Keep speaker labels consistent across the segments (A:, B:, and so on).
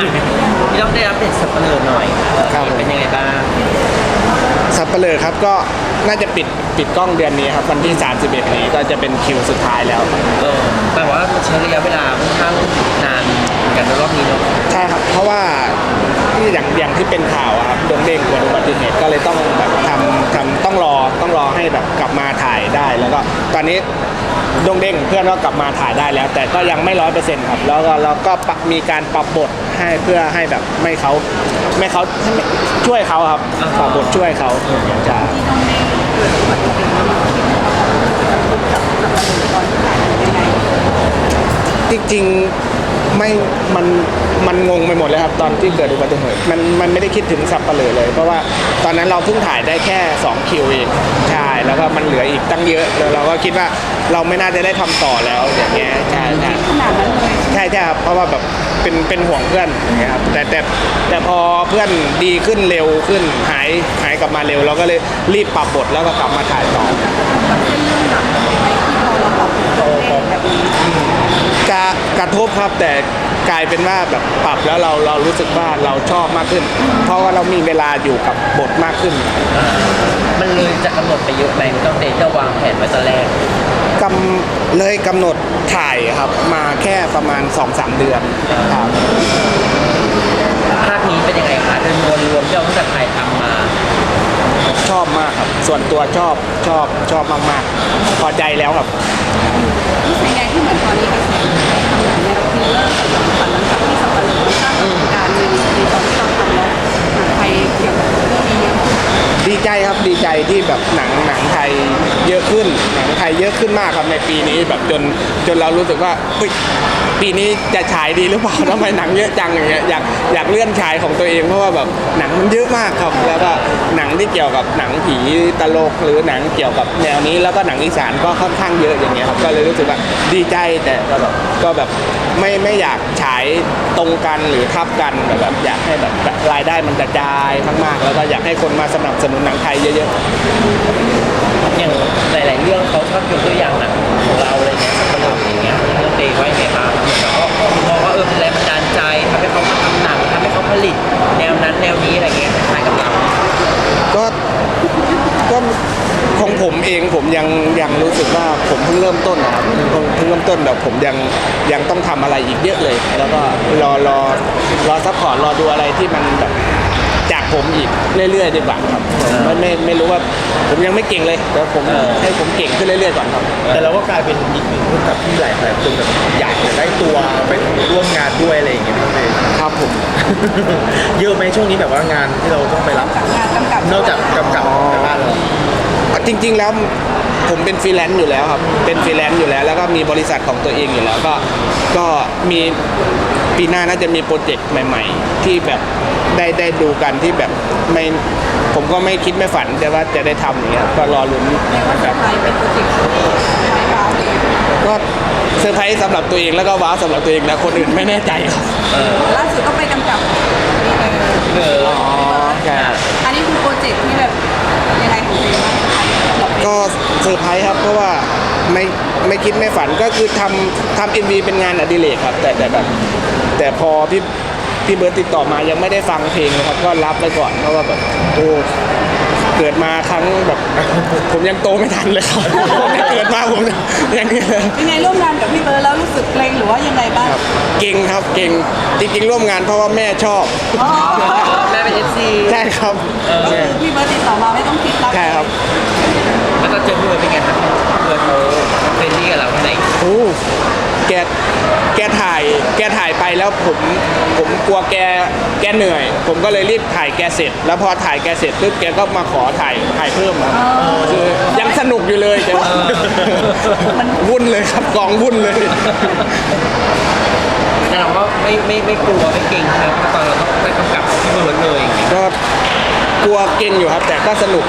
A: พี่ต้องได้รับเด็ดสับเปลือกหน่อยเป็นยังไงบ้าง
B: สับเปลือกครับก็น่าจะปิดกล้องเดือนนี้ครับวันที่31นี้ก็จะเป็นคิวสุดท้ายแล้ว
A: แต่ว่าใช้ระยะเวลาค่อนข้างนานกันในรอบนี้เนาะ
B: ใช่ครับเพราะว่าที่อย่างที่เป็นข่าวครับดงเด้งเกิดอุบัติเหตุก็เลยต้องแบบทำต้องรอให้แบบกลับมาถ่ายได้แล้วก็ตอนนี้ดงเด้งเพื่อนก็กลับมาถ่ายได้แล้วแต่ก็ยังไม่100%ครับแล้วก็เราก็มีการปรับบทให้เพื่อให้แบบไม่เขาช่วยเขาครับปรับบทช่วยเขาจะจริงๆมันงงไปหมดเลยครับตอนที่เกิดอุบัติเหตุมันไม่ได้คิดถึงสับเปลือเลยเพราะว่าตอนนั้นเราเพิ่งถ่ายได้แค่2คิวเองใช่แล้วก็มันเหลืออีกตั้งเยอะแล้วเราก็คิดว่าเราไม่น่าจะได้ทำต่อแล้วอย่างเงี้ยใช่ใช่ครับเพราะว่าแบบเป็นห่วงเพื่อนนะครับแต่พอเพื่อนดีขึ้นเร็วขึ้นหายกลับมาเร็วเราก็เลยรีบปรับบทแล้วก็กลับมาถ่ายต่อกระทบครับแต่กลายเป็นว่าแบบปรับแล้วเรารู้สึกว่าเราชอบมากขึ้นเพราะว่าเรามีเวลาอยู่กับบทมากขึ้น
A: มันเลยจะกำหนดไปเยอะไหมต้องเดทจะวางแผนไว้ตอนแรก
B: เลยกำหนดถ่ายครับมาแค่ประมาณ 2-3 เดือนครับ
A: ภาคนี้เป็นยังไงคะโดยรวมที่เราตั้งแต่ถ่ายทำมา
B: ชอบมากครับส่วนตัวชอบมากๆพอใจแล้วครับ
C: เป็นไงที่เหมือนตอนนี้เป็นแนวคิลเลอร์กับฝันหลังจากที่สับปะรดสร้างการในตอนที่เราทำแล้วไทยเกี่ยวกับเรื่องนี้เยอะ
B: ดีใจครับดีใจที่แบบหนังไทยเยอะขึ้นหนังไทยเยอะขึ้นมากครับในปีนี้แบบจนเรารู้สึกว่าปีนี้จะฉายดีหรือเปล่าทำไมหนังเยอะจังอย่างเงี้ยอยากเลื่อนฉายของตัวเองเพราะว่าแบบหนังมันเยอะมากครับแล้วก็หนังที่เกี่ยวกับหนังผีตลกหรือหนังเกี่ยวกับแนวนี้แล้วก็หนังอีสานก็ค่อนข้างเยอะอย่างเงี้ยครับก็เลยรู้สึกว่าดีใจแต่ก็แบบไม่อยากฉายตรงกันหรือทับกันแบบอยากให้แบบรายได้มันกระจายมากๆแล้วก็อยากให้คนมาสนับสนุนหนังไทยเยอะ
A: ๆอย่างหลายๆเรื่องเขาชอบยกตัวอย่างหนังของเราอะไรเงี้ยสับปะรดอย่างเงี้ยเรื่องเดย์ไว้ไงบ้างแล้วก็มองว่าเป็นแรงบันดาลใจทำให้เขามาทำหนังทำให้เขาผลิตแนวนั้นแนวนี้อะไรเงี้ยคล้ายกับเรา
B: ก็ของผมเองผมยังรู้สึกว่าผมเพิ่งเริ่มต้นนะครับเพิ่งเริ่มต้นแบบผมยังต้องทำอะไรอีกเยอะเลยแล้วก็รอซัพพอร์ตรอดูอะไรที่มันแบบจากผมอีกเรื่อยๆดีกว่าครับไม่รู้ว่าผมยังไม่เก่งเลยแต่ผมให้ผมเก่งขึ้นเรื่อยๆก่อนครับ
D: แต่เราก็กลายเป็นอีกหนึ่งคนกับที่หลายคนแบบอยากจะได้ตัวไปร่วมงานด้วยอะไรอย่างเงี้ย
B: ครับผม
D: เยอะไหมช่วงนี้แบบว่างานที่เราต้องไปรับนอกจากกำกับในบ้านเรา
B: จริงๆแล้วผมเป็นฟรีแลนซ์อยู่แล้วครับเป็นฟรีแลนซ์อยู่แล้วก็มีบริษัทของตัวเองอยู่แล้วก็มีปีหน้าน่าจะมีโปรเจกต์ใหม่ๆที่แบบได้ดูกันที่แบบไม่ผมก็ไม่คิดไม่ฝันแต่ว่าจะได้ทำอย่างเงี้ยก็รอลุ้น
C: แบบเป็นโปรเจกต์
B: ก็เซอร์ไพรส์สำหรับตัวเองแล้วก็ว้าวสำหรับตัวเองนะคนอื่นไม่แน่ใจครับ
C: ล่าสุดก็ไปกำกับ
B: อ๋อใช่
C: อันนี้คือโปรเจกต์ที่แบบยังไงของเอง
B: ก็เซอร์ไพรส์ครับเพราะว่าไม่คิดไม่ฝันก็คือทำ MV เป็นงานอดิเรกครับแต่พอพี่เบิร์ตติดต่อมายังไม่ได้ฟังเพลงเลยครับก็รับไปก่อนเพราะว่าแบบโอ้เกิดมาครั้งแบบผมยังโตไม่ทันเลยครับเกิดมาผมยัง
C: ไงร่วมงานกับพี่เบิร์ตแล้วรู้สึกเกรงหรือว่ายังไงบ้าง
B: เก่งครับเก่งจริงๆร่วมงานเพราะว่าแม่ชอบ
A: แม่เป็น FC
B: ใช่ครับ
C: พี่เบิร์ตติดต่อมาไม่ต้องคิดรับ
B: ใช่ครับ
A: แล้วก็เจอพี่เบิร์ตเป็นไงครับเบิร์ตเขาเป็นที่กับเราที่ไหน
B: โอ้แกถ่ายไปแล้วผมกลัวแกเหนื่อยผมก็เลยรีบถ่ายแกเสร็จแล้วพอถ่ายแกเสร็จปุ๊บแกก็มาขอถ่ายเพิ่มครับคือยังสนุกอยู่เลยแต่มันวุ่นเลยครับกองวุ่นเลย
A: แต่เราก็ไม่กลัวไม่เก่งครับตอนเราต้องไปกำกับพี่เบิร์ตเลย
B: ก็กลัวเก่งอยู่ครับแต่ก็สนุก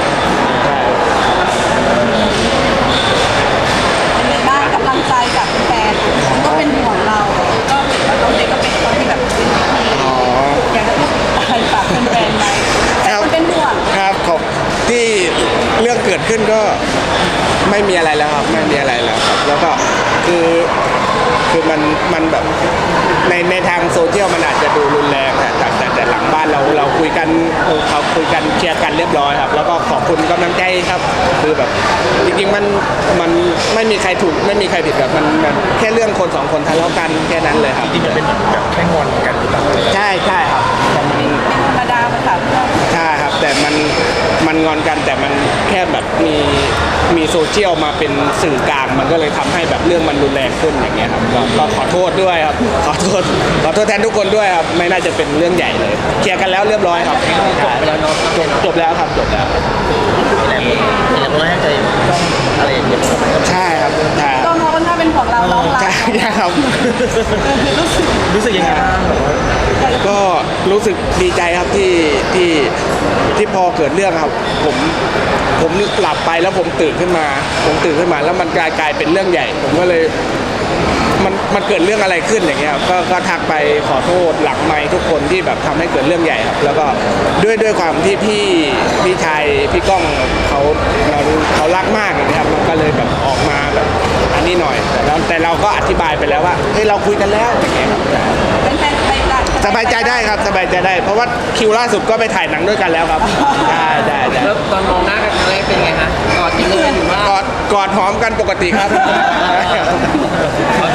C: ได้กำลังใจจากแฟนก็เป็นห่วงเราก็เห็นว่าเขาเด็กก็เป็นคนที่แบบเป็นที่อยากจะพูดอะไรฝากแฟนๆไหมเป็นห่วง
B: ครับที่เรื่องเกิดขึ้นก็ไม่มีอะไรแล้วครับไม่มีอะไรแล้วครับแล้วก็คือคือมันแบบในทางโซเชียลมันอาจจะดูรุนแรงแต่หลังบ้านเราคุยกันเขาคุยกันเคลียร์กันเรียบร้อยครับแล้วก็ขอบคุณกำลังใจครับคือแบบจริงๆมันไม่มีใครถูกไม่มีใครผิดแบบมันแค่เรื่องคนสองคนทะเลาะกันแค่นั้นเลยครับ
D: จริงๆมันเป็นแบบแค่งอนกันหรือเปล่า
B: ใช่ครับแต่มัน
C: ธรรมดาภาษาเพื่อน
B: ใช่ครับแต่มันงอนกันแต่มันแค่แบบมีโซเชียลมาเป็นสื่อกลางมันก็เลยทำให้แบบเรื่องมันรุนแรงขึ้นอย่างเงี้ยครับก็ขอโทษด้วยครับขอโทษแทนทุกคนด้วยครับไม่น่าจะเป็นเรื่องใหญ่เลยเคลียร์กันแล้วเรียบร้อยครับ
A: จบไปแล้วเนาะ
B: จบแล้วครับจบแล้ว
D: แล้วก็ให้ใจต้องอะไรอย่างเงี้ย
B: ใช่ครับใช่
C: ก็มองว่าถ้าเป็นของเราเรารัก
B: ใช่ครับ
D: รู้สึกยังไงบ้างแบบว่า
B: ก็รู้สึกดีใจครับที่พอเกิดเรื่องครับ ผมหลับไปแล้วผมตื่นขึ้นมาแล้วมันกลายเป็นเรื่องใหญ่ ผมก็เลยมันเกิดเรื่องอะไรขึ้นอย่างเงี้ยครับก็ทักไปขอโทษหลังไมค์ทุกคนที่แบบทำให้เกิดเรื่องใหญ่ครับแล้วก็ด้วยความที่พี่ชายพี่ก้องเขารักมากอย่างเงี้ยครับมันก็เลยแบบออกมาแบบอันนี้หน่อยแต่เราก็อธิบายไปแล้วว่าเฮ้ยเราคุยกันแล้วอย่างเงี้ยครับ
C: เป็นแฟนใครกัน
B: สบายใจได้ครับสบายใจได้ เพราะว่าคิวล่าสุดก็ไปถ่ายหนังด้วยกันแล้วครับได้
A: แล้วตอนมองหน้ากันครั้งแรกเป็นไงฮะกอดกันเลยหรือว่าก
B: อดหอมกันปกติครับ
A: เขา